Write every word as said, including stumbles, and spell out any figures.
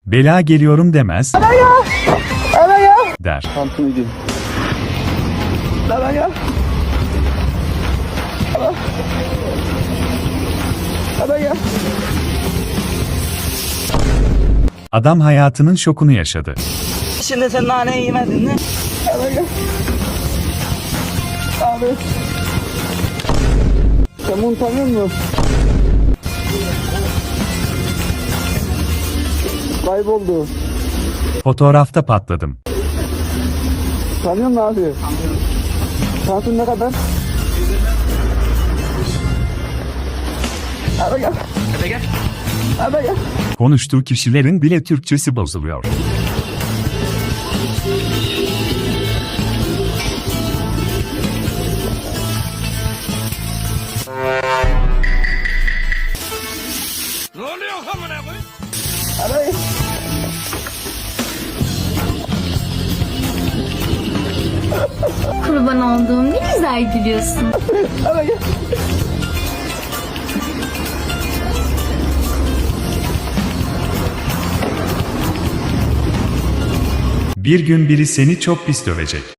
Bela geliyorum demez. Ana ya! Ana ya! Der. Tantuni değil. Ana ya! Ana! Ana ya! Adam hayatının şokunu yaşadı. Şimdi sen nane yemedin mi? Ana ya! Abi! Sen bunu tanıyor musun? Kayboldu. Fotoğrafta patladım. Tanıyor musun abi? Tantuni ne kadar? Ana ya! Hadi gel. Ana ya! Konuştuğu kişilerin bile Türkçesi bozuluyor. Ne oluyor amına koyayım? Ana ya! Kurban olduğum ne güzel gülüyorsun. Ana ya! Bir gün biri seni çok pis dövecek.